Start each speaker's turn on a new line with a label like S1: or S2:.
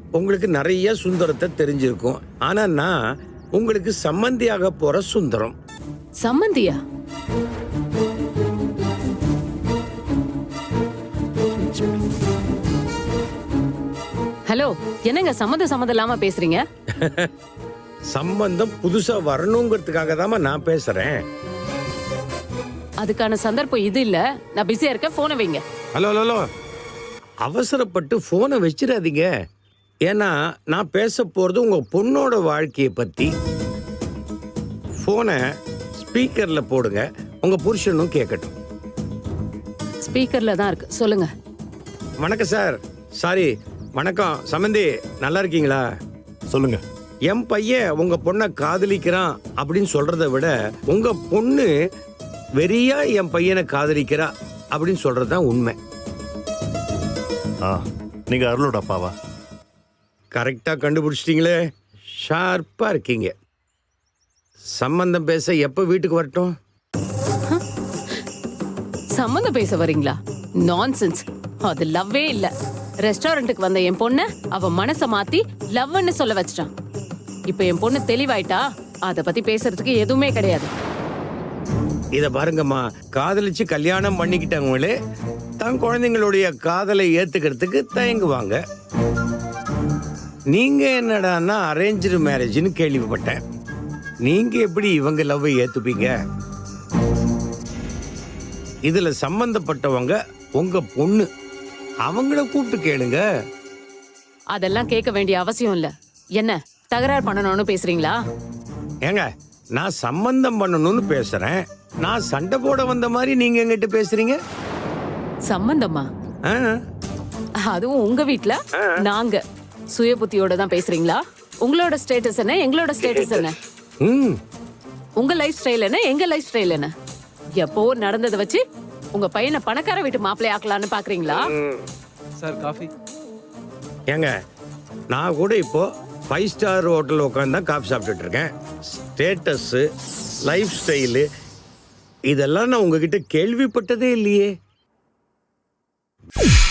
S1: உங்களுக்கு நிறைய சுந்தரத்தை தெரிஞ்சிருக்கும். ஆனா நான் உங்களுக்கு சம்மந்தியாக போற சுந்தரம்.
S2: சம்மந்தியா? ஹலோ, என்னங்க சம்மந்தம் இல்லாம பேசுறீங்க?
S1: சம்பந்தம் புதுசா வரணுங்கிறதுக்காக தான் நான் பேசுறேன்.
S2: அதுக்கான சந்தர்ப்பம் இது இல்ல. நான் பிஸியா இருக்கேன், போனை வைங்க.
S1: ஹலோ ஹலோ, அவசரப்பட்டு போனை வச்சிடாதீங்க. ஏன்னா நான் பேச போறது உங்க பொண்ணோட வாழ்க்கையை பத்தி. போனை ஸ்பீக்கர்ல போடுங்க, உங்க புருஷனும் கேட்கட்டும்.
S2: ஸ்பீக்கர்ல தான் இருக்கு, சொல்லுங்க.
S1: வணக்கம் சார். சாரி, வணக்கம் சம்பந்தி. நல்லா இருக்கீங்களா?
S3: சொல்லுங்க.
S1: என் பையன் உங்க பொண்ணை காதலிக்கிறான் அப்படின்னு சொல்றதை விட உங்க பொண்ணு வெறியா என் பையனை காதலிக்கிறா அப்படின்னு சொல்றதுதான் உண்மை.
S3: நீங்க அருளோட அப்பாவா?
S1: கரெக்டா கண்டுபிடிச்சிட்டீங்களே, ஷார்ப்பா இருக்கீங்க. சம்பந்தம் பேச எப்ப வீட்டுக்கு வரட்டும்?
S2: சம்மந்தம் பேச வரீங்களா? நான்சென்ஸ். அது லவ்வே இல்ல. ரெஸ்டாரண்ட்டுக்கு வந்த என் பொண்ண அவ மனச மாத்தி லவ்னு சொல்ல வச்சிட்டான். இப்ப என் பொண்ணு தெளிவாயிட்டா, அத பத்தி பேசுறதுக்கு எதுவுமே கிடையாது.
S1: இத பாருங்கம்மா, காதலிச்சு கல்யாணம் பண்ணிக்கிட்டவங்களே தன் குழந்தைங்களுடைய காதலை ஏத்துக்கிறதுக்கு தயங்குவாங்க. நீங்க என்னடான்னா அரேஞ்சு மேரேஜ்னு கேள்விப்பட்டேன். நீங்க எப்படி இவங்க லவ்வை ஏத்துப்பீங்க? இதுல சம்பந்தப்பட்டவங்க உங்க பொண்ணு. அவங்கள கூப்பிட்டு கேளுங்க.
S2: அதெல்லாம் கேட்க வேண்டிய அவசியம் இல்ல. என்ன தகராறு பண்ணணும்னு பேசுறீங்களா?
S1: ஏங்க, நான் சம்பந்தம் பண்ணணும்னு பேசுறேன். நான் சண்டை போட வந்த மாதிரி நீங்க எங்கிட்ட பேசுறீங்க?
S2: சம்பந்தமா?
S1: ஆ,
S2: அதுவும் உங்க வீட்ல நாங்க சுய புத்தியோட தான் பேசுறீங்களா? உங்களோட ஸ்டேட்டஸ் என்ன, எங்களோட ஸ்டேட்டஸ் என்ன?
S1: ம்,
S2: உங்க லைஃப் ஸ்டைல் என்ன, எங்க லைஃப் ஸ்டைல் என்ன? எப்போ நடந்ததை வச்சு உங்க பையனை பணக்கார வீட்டு மாப்பிள்ளை ஆக்கலான்னு பாக்குறீங்களா?
S4: Sir coffee.
S1: ஏங்க, நான் கூட இப்போ 5 ஸ்டார் ஹோட்டல் உட்காந்து தான் காஃபி சாப்பிட்டுட்டு இருக்கேன். ஸ்டேட்டஸு, லைஃப் ஸ்டைலு இதெல்லாம் நான் உங்ககிட்ட கேள்விப்பட்டதே இல்லையே.